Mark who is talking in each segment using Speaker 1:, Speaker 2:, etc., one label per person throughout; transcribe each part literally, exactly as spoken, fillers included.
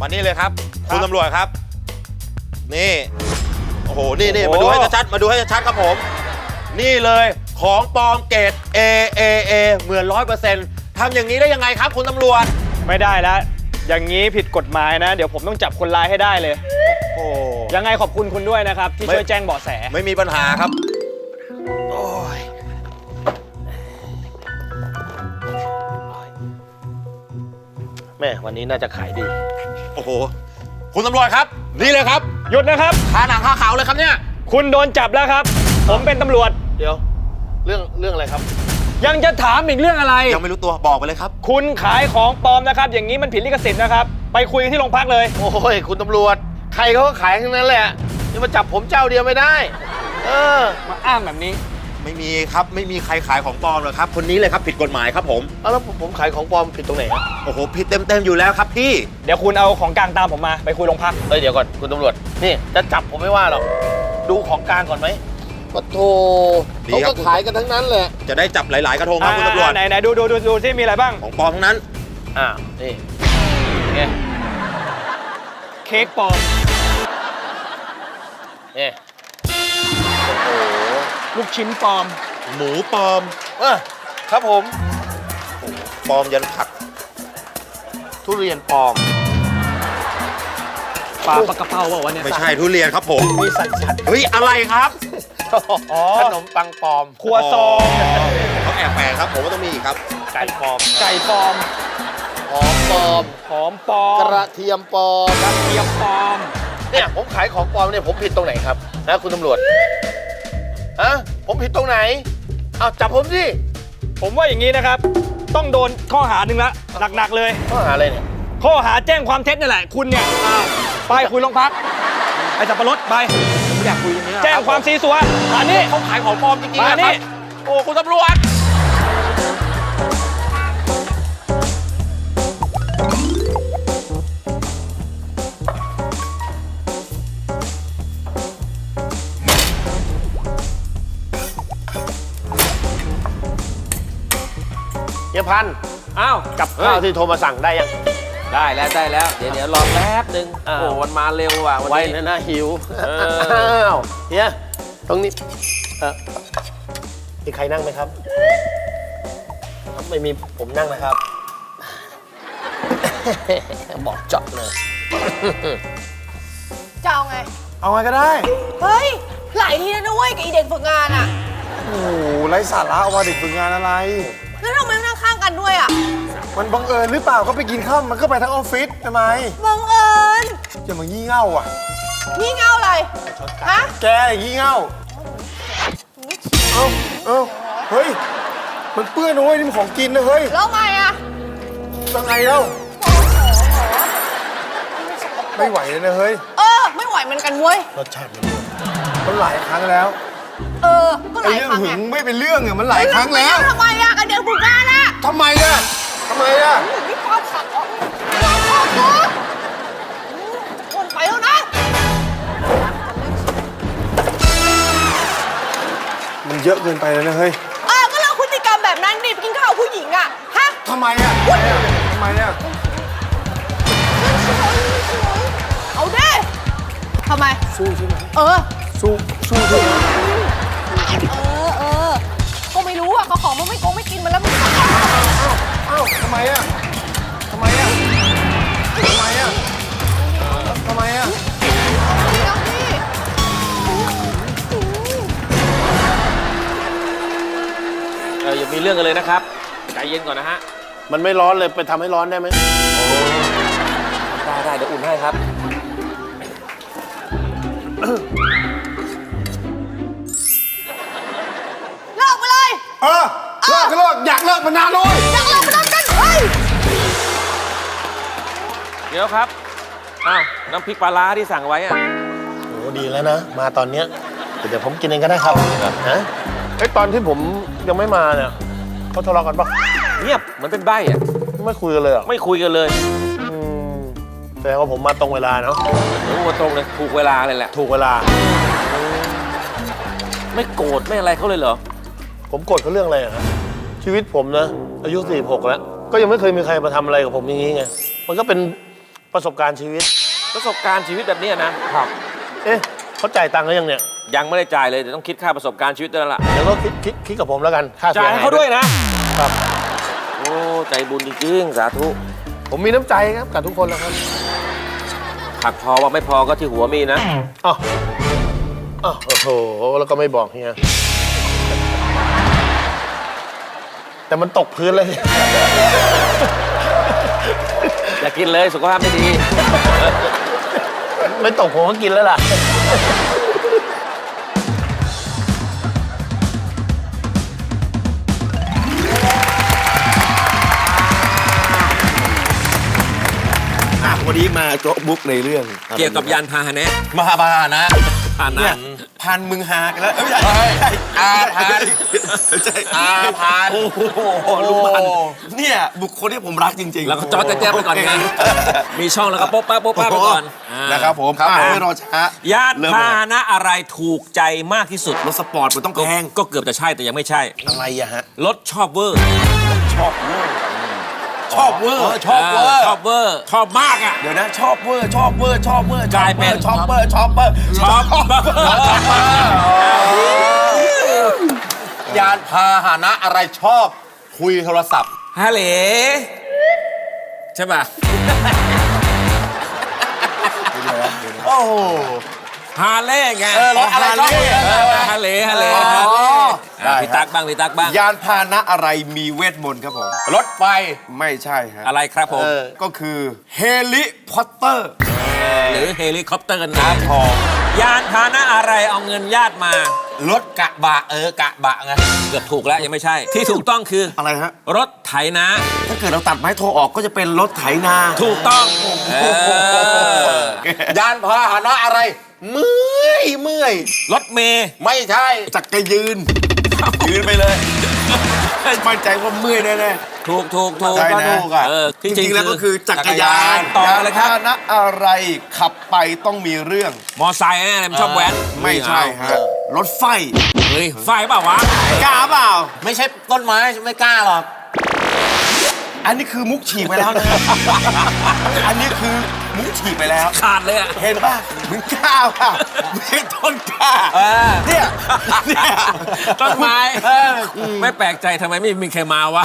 Speaker 1: มานี่เลยครับคุณตำรวจครับนี่โอ้โหนี่นี่มาดูให้ชัดๆมาดูให้ชัดๆครับผมนี่เลยของปลอมเกรด A A A เหมือนร้อยเปอร์เซ็นต์ทำอย่างนี้ได้ยังไงครับคุณตำรวจ
Speaker 2: ไม่ได้แล้วอย่างนี้ผิดกฎหมายนะเดี๋ยวผมต้องจับคนร้ายให้ได้เลยโอ้ยังไงขอบคุณคุณด้วยนะครับที่ช่วยแจ้งเบาะแส
Speaker 1: ไม่มีปัญหาครับโอ้ย
Speaker 3: แม่วันนี้น่าจะขายดี
Speaker 1: โอ้โหคุณตำรวจครับนี่เลยครับ
Speaker 2: หยุดนะครับ
Speaker 1: คาหนังคาเขาเลยครับเนี่ย
Speaker 2: คุณโดนจับแล้วครับผมเป็นตำรวจ
Speaker 3: เดี๋ยวเรื่องเรื่องอะไรครับ
Speaker 2: ยังจะถามอีกเรื่องอะไร
Speaker 1: ยังไม่รู้ตัวบอกไปเลยครับ
Speaker 2: คุณขายของปลอมนะครับอย่างนี้มันผิดลิขสิทธิ์นะครับไปคุยที่โรงพักเลย
Speaker 3: โอ้ยคุณตำรวจใครเขาก็ขายทั้งนั้นแหละจะมาจับผมเจ้าเดียวไม่ได้เออ
Speaker 2: มาอ้างแบบนี้
Speaker 1: ไม่มีครับไม่มีใครขายของปลอมหรอกครับคนนี้เลยครับผิดกฎหมายครับผม
Speaker 3: เอาแล้วผมขายของปลอมผิดตรงไหนครับ
Speaker 1: โอ้โหผิดเต็มๆอยู่แล้วครับพี่
Speaker 2: เดี๋ยวคุณเอาของกลางตามผมมาไปคุยโรงพัก
Speaker 3: เอ้ยเดี๋ยวก่อนคุณตำรวจนี่จะจับผมไม่ว่าหรอกดูของกลางก่อนไหมปะโถเขาก็ขายกันทั้งนั้นแหละ
Speaker 1: จะได้จับหลายๆกระทงครับคุณตำรวจ
Speaker 2: ไหนไหนดูดูดูดูที่มีอะไรบ้าง
Speaker 1: ของปลอมทั้งนั้น
Speaker 3: อ่านี่ไง
Speaker 2: เค้กปลอม
Speaker 3: นี่
Speaker 2: โอ้โหลูกชิ้นปลอม
Speaker 1: หมูปลอม
Speaker 3: เออครับผม
Speaker 1: ปลอมยันผัก
Speaker 3: ทุเรียนปลอม
Speaker 2: ปลาปลากระเพราบอกว่าเนี่ย
Speaker 1: ไม่ใช่ทุเรียนครับผม
Speaker 3: มีสัตว์สัตว์
Speaker 1: เฮ้ยอะไรครับ
Speaker 3: ขนมปังปลอม
Speaker 2: ครัวซอง
Speaker 1: เขาแอบแฝงครับผมว่าต้องมีอีกครับ
Speaker 3: ไก่ปลอม
Speaker 2: ไก่ปลอม
Speaker 3: หอมปลอม
Speaker 2: หอมปลอม
Speaker 3: กระเทียมปลอม
Speaker 2: กระเทียมปลอม
Speaker 3: เนี่ยผมขายของปลอมเนี่ยผมผิดตรงไหนครับนะคุณตำรวจฮะผมผิดตรงไหนเอาจับผมสิ
Speaker 2: ผมว่าอย่างนี้นะครับต้องโดนข้อหาหนึ่งละหนักๆเลย
Speaker 3: ข้อหาอะไรเนี่ย
Speaker 2: ข้อหาแจ้งความเท็จนี่แหละคุณเนี่ยไปคุยโรงพักไอ้สับปะรดไป
Speaker 1: ผมอยากคุยอย่างนี้
Speaker 2: แจ้งความซีซัวอันนี้
Speaker 1: เขาขายของปลอมจริงๆ
Speaker 2: อันนี้
Speaker 1: โอ้คุณตำรวจ
Speaker 3: เฮียพันอ้าวกับข้าวที่โทรมาสั่งได้ยัง
Speaker 4: ได้แล้วได้แล้วเดี๋ยวเดี๋ยวรอแป๊บนึงโอ้วันมาเร็วว่ะวันนี้
Speaker 3: นะหิวอ้าวเฮียตรงนี้เออมีใครนั่งไหมครับไม่มีผมนั่งนะครับบอกเจาะเลย
Speaker 5: จะเอาไง
Speaker 3: เอาไงก็ได้
Speaker 5: เฮ้ยหลายทีแล้วนะเว้ยกับอีเด็กฝึกงานอ่ะ
Speaker 3: โอ้ไร้สาระว่าเด็กฝึกงานอะไร
Speaker 5: แล้วทำไมไม่นั่งข้างกันด้วยอ่ะ
Speaker 3: มันบังเอิญหรือเปล่าก็ไปกินข้าวมันก็ไปทั้งออฟฟิศทำไม
Speaker 5: บังเอิญ
Speaker 3: จะมางี่เง่าอ่ะ
Speaker 5: งี่เง่าอะไรฮะ
Speaker 3: แกงี่เง่าเอ้าเอ้าเฮ้ยมันเปื้อนนะเว้ยนี่มันของกินนะเฮ้ย
Speaker 5: แล้วไงอ่ะ
Speaker 3: ยังไงเล่าไม่ไหวเลยนะเฮ้ย
Speaker 5: เออไม่ไหวเหมือนกันเว้ย
Speaker 3: รสชาติมันหลายครั้งแล้ว
Speaker 5: เออก็หลายครั้ง
Speaker 3: เรื่องหึงไม่เป็นเรื่องอ่ะมันหลายครั้งแล้ว
Speaker 5: ทำไมอ่ะกับเด็กฝึกงานอ่ะ
Speaker 3: ทำไมอ่ะทำไมอ่ะ
Speaker 5: มีความขัดออกความขัดตัวคนไปแล้วนะ
Speaker 3: มันเยอะเกินไปแล้วนะเฮ้ย
Speaker 5: เออก็เลิกพฤติกรรมแบบนั้นดิไปกินข้าวผู้หญิงอ่ะฮะ
Speaker 3: ทำไมอ่ะทำไมอ่ะ
Speaker 5: เอาดิทำไม
Speaker 3: สู้ใช่ไหม
Speaker 5: เออ
Speaker 3: สู้สู้ใช่ไหม
Speaker 5: เออเออก็ไม่รู้อ่ะเขาของมันไม่โกงไม่กินมันแล้วมัน
Speaker 3: อ้าวอ้าวทำไมอ่ะทำไมอ่ะทำไมอ่ะทำไมอ่ะ
Speaker 4: เอออย่ามีเรื่องกันเลยนะครับใจเย็นก่อนนะฮะ
Speaker 3: มันไม่ร้อนเลยไปทำให้ร้อนได้ไหม
Speaker 4: ได้ได้เดี๋ยวอุ่นให้ครับ
Speaker 5: เลิกไปเลย
Speaker 3: เออเลิกก็เลิกอยากเลิกมานานเลย
Speaker 5: อยากเลิกมานานกันเฮ้ย
Speaker 4: เดี๋ยวครับอ้าวน้ำพริกปลาร้าที่สั่งไว้อ่ะ
Speaker 3: โอ้ดีแล้วนะมาตอนเนี้ยเดี๋ยวผมกินเองก็ได้ครับนะไอ้ตอนที่ผมยังไม่มาเนี่ยเขาทะเลาะกันปะ
Speaker 4: เงียบเหมือนเป็นใบ้อ่ะ
Speaker 3: ไม่คุยกันเลยอ่ะ
Speaker 4: ไม่คุยกันเลย
Speaker 3: แสดงว่าผมมาตรงเวลาเนาะ
Speaker 4: รู้ว่าตรงเลยถูกเวลาเลยแหละ
Speaker 3: ถูกเวลา
Speaker 4: ไม่โกรธไม่อะไรเขาเลยเหรอ
Speaker 3: ผมโกรธเขาเรื่องอะไรอะครับชีวิตผมนะอายุสี่สิบหกแล้วก็ยังไม่เคยมีใครมาทำอะไรกับผมอย่างนี้ไงมันก็เป็นประสบการณ์ชีวิต
Speaker 4: ประสบการณ์ชีวิตแบบนี้นะครับ
Speaker 3: เอ๊ะเขาจ่ายตังค์หรือยังเนี่ย
Speaker 4: ยังไม่ได้จ่ายเลยเดี๋ยวต้องคิดค่าประสบการณ์ชีวิตด้วยแล้วล่ะ
Speaker 3: เดี๋ยวก็คิดคิดคิดกับผมแล้วกันค่าเสี
Speaker 2: จ่าย
Speaker 3: ย
Speaker 2: ให้
Speaker 3: หาย
Speaker 2: เขาด้วยนะ
Speaker 3: ครับ
Speaker 4: โอ้ใจบุญจริงๆสาธุ
Speaker 3: ผมมีน้ำใจครับกับทุกคนแล้วครับ
Speaker 4: ผักพอว่าไม่พอก็ที่หัวมีนะ
Speaker 3: อ๋ออ๋อโอ้โหแล้วก็ไม่บอกเฮียแต่มันตกพื้นเลย
Speaker 4: อย่ากินเลยสุขภาพไม่ดี
Speaker 3: ไม่ตกผมก็กินแล้วล่ะ
Speaker 6: วันนี้มาโจ๊ะบุ๊กในเรื่อง
Speaker 4: เกี่ยวกับยานพาหนะ
Speaker 6: มาบานะ
Speaker 4: พาหนะ
Speaker 6: เนี่ยพันมึงหากันแล้วเอ้ยไม่ใช่อาพันไม่ใช่อาพันโอ้โหลุงพันเนี่ยบุคคลที่ผมรักจริงๆ
Speaker 4: แล้วก็จอดแจ๊บไปก่อนไงมีช่องแล้วก็โป๊ะป้าโป๊ะป้าไปก่อนอ่า
Speaker 6: นะครับผมครับไม่รอช้าย
Speaker 4: านพาหนะอะไรถูกใจมากที่สุด
Speaker 6: รถสปอร์ตมันต้อง
Speaker 4: ก็
Speaker 6: แพง
Speaker 4: ก็เกือบจะใช่แต่ยังไม่ใช่
Speaker 6: อะไรอะฮะ
Speaker 4: รถชอบเวอร์
Speaker 6: ชอบเวอร์ชอบเวอร์ชอบเวอร์
Speaker 4: ชอบเวอร์ชอบมากอ่ะ
Speaker 6: เดี๋ยวนะชอบเวอร์ชอบเวอร์ชอบเวอร์
Speaker 4: กลายเป็น
Speaker 6: ชอบเวอร์ชอบเวอร์
Speaker 4: ชอบเวอร์
Speaker 1: ยานพาหนะอะไรชอบคุยโทรศัพท์
Speaker 4: ฮัลโหลใช่ป่ะ
Speaker 1: โอ้โห
Speaker 4: ฮาเล่ไง
Speaker 1: เออรถอะไรชอบคุย
Speaker 4: เออฮาเล่ฮาเล่อ่ะพี่ตักบ้างพี่ตักบ้าง
Speaker 6: ยานพาหนะอะไรมีเวทมนต์ครับผม
Speaker 1: รถไฟ
Speaker 6: ไม่ใช่ฮะ
Speaker 4: อะไรครับผม
Speaker 6: ก็คือเฮลิคอปเตอร์
Speaker 4: หรือเฮลิคอปเตอร์นะทองยานพาหนะอะไรเอาเงินญาติมา
Speaker 1: รถกะบะเออกะบะไง
Speaker 4: เกือบถูกแล้วยังไม่ใช่ ที่ถูกต้องคือ
Speaker 6: อะไรฮะ
Speaker 4: รถไถนา
Speaker 6: ถ้าเกิดเราตัดไม้โทรออกก็จะเป็นรถไถนา
Speaker 4: ถูกต้องเออย
Speaker 1: านพาหนะอะไร เมื่อยเมื่อย
Speaker 4: รถเมย์
Speaker 1: ไม่ใช่
Speaker 6: จักรยืน ยืนไปเลยมั่นใจว่าเมื่อยแน่
Speaker 4: ถูกถูกถูก
Speaker 6: ใช่นะ
Speaker 4: เออ
Speaker 6: ๆจริงๆแล้วก็คือจักรยาน
Speaker 4: ต่อเลยครับ
Speaker 6: ยานพาหนะอะไรขับไปต้องมีเรื่อง
Speaker 4: มอไซค์แน่เลยมันชอบแว้น
Speaker 6: ไม่ใช่ฮะรถไฟ
Speaker 4: เฮ้ยไฟเปล่าวะ
Speaker 6: กล้าเปล่า
Speaker 1: ไม่ใช่ต้นไม้ไม่กล้าหรอก
Speaker 6: อันนี้คือมุกฉีกไปแล้วนะ อันนี้คือมุกฉีกไปแล้ว
Speaker 4: ขาดเลยอ่ะ
Speaker 6: เห็นป่ะมึงกล้าป่ะไม่ใช่ต้นกล้า
Speaker 4: เออ
Speaker 6: เนี่ยเนี่ย
Speaker 4: ต้นไม้ไม่แปลกใจทำไมไม่มีใครมาวะ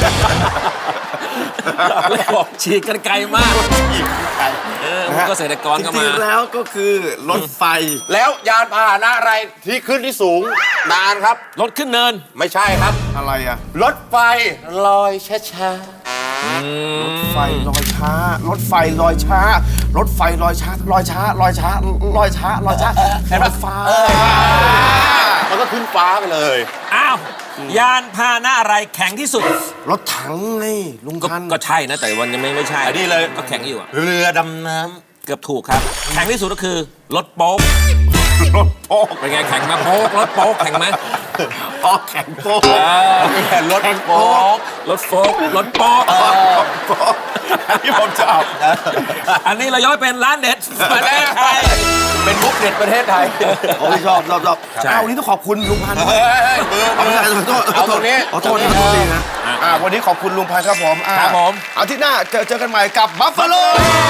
Speaker 4: เลยบอกฉีกกันไกลมากเออมันก็เกษตรกร
Speaker 6: จ
Speaker 4: ก็
Speaker 6: ริ
Speaker 4: มา
Speaker 6: งๆแล้วก็คือรถไฟ
Speaker 1: แล้วยานพาหนะอะไรที่ขึ้นที่สูงนานครับ
Speaker 4: รถขึ้นเนิน
Speaker 1: ไม่ใช่ครับ
Speaker 6: อะไรอะ
Speaker 1: รถไฟลอยช้าร
Speaker 6: ถไฟลอยช้ารถไฟลอยช้ารถไฟลอยช้าลอยช้าลอยช้าลอยช้าลอยช้ารถไฟ
Speaker 1: ๆมันก็ขึ้นฟ้าไปเลย
Speaker 4: อ้าว ยานพาหนะอะไรแข็งที่สุด
Speaker 6: รถถังไงลุง
Speaker 4: ก็
Speaker 6: พันธุ์
Speaker 4: ก็ใช่นะ แต่วันยังไม่ไม่ใช่
Speaker 1: อันนี้เลย
Speaker 4: ก็แข็งอยู่อะ
Speaker 1: เรือดำน้
Speaker 4: เกือบถูกครับ แข็งที่สุดก็คือ รถโป๊ก
Speaker 6: รถโป๊ก
Speaker 4: เป็นไงแข็งไหมโป๊กรถโป๊กแข็งไหม
Speaker 6: ออกแข่งโป๊ก
Speaker 1: ำรถโป๊ก
Speaker 4: รถโฟกรถโป๊ก
Speaker 6: โป๊กอันนี้ผมชอบ
Speaker 4: อันนี้เราย้อยเป็นร้านเด็ดประเทศไทย
Speaker 1: เป็นมุกเด็ดประเทศไทย
Speaker 6: ผมชอบชอบชอบ
Speaker 4: ใช่
Speaker 6: เอาวันนี้ต้องขอบคุณลุงพันธุ์
Speaker 1: เฮ้ยเฮ้ยเบอร์เบอร์
Speaker 6: ขอโทษ
Speaker 1: เอาตรงนี้
Speaker 6: ขอโทษนะขอโทษทีนะอ่าวันนี้ขอบคุณลุงพันธุ์ครับผมอ่า
Speaker 4: ครับผม
Speaker 6: อาทิตย์หน้าเจอเจอกันใหม่กับบัฟฟาโล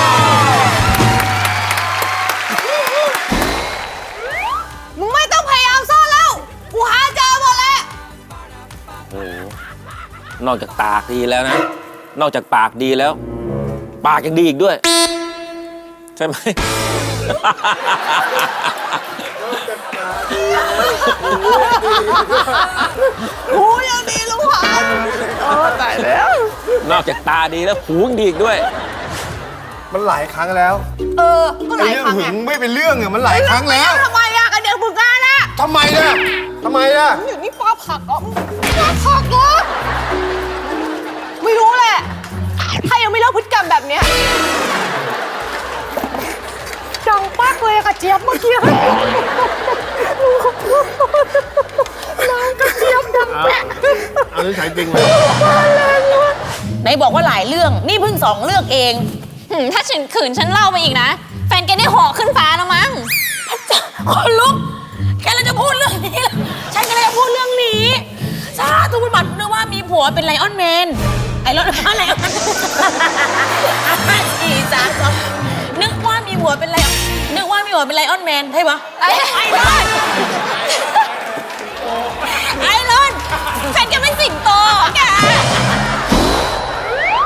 Speaker 5: มึงไม่ต้องพยายามซ่อนแล้ว กูหาเจอหมดแล้ว
Speaker 4: โอ้โหนอกจากปากดีแล้วนะ นอกจากปากดีแล้ว ปากยังดีอีกด้วย ใช่ไหม
Speaker 5: กูยังดีลุงพันธุ์
Speaker 4: นอกจากตาดีแล้วหูยังดีอีกด้วย
Speaker 6: มันหลายครั้งแล้ว
Speaker 5: เออ ก็ห
Speaker 6: ไอ้
Speaker 5: ลาย
Speaker 6: เรื่อง
Speaker 5: ครั้ง
Speaker 6: หึ
Speaker 5: ไง
Speaker 6: งไม่เป็นเรื่องอะมันหลายครั้งแล้ว
Speaker 5: ทำไมอะกันเดี๋ยวมึงกล้านะ
Speaker 6: ทำไมล่ะทำไมล่ะ
Speaker 5: อยู่นี่ปลาผักเหรอปลาผักเหรอไม่รู้แหละ ใครยังไม่เลิกพฤติกรรมแบบเนี้ยดังปักเลยอะกระเจี๊ยบเมื่อกี้น้ำกระเจี๊ยบดังแปะ
Speaker 3: เอานิสัยจริงเลย
Speaker 7: ไหนบอกว่าหลายเรื่อง นี่เพิ่งสองเรื่องเอง
Speaker 8: หืมถ้าฉันขืนฉันเล่าไปอีกนะ แฟนแกได้เหาะขึ้นฟ้าแล้วมั้ง
Speaker 7: คนลุก แกเลยจะพูดเรื่องนี้ล่ะฉันก็เลยจะพูดเรื่องนี้สาธุบุญบัตรนึกว่ามีผัวเป็นไลออนแมนไอ้รถอะไรสี่สามสองนึกว่ามีหัวเป็นไรนึกว่ามีหัวเป็นไลออนแมนใช่ปะไอ้ไอ้เลย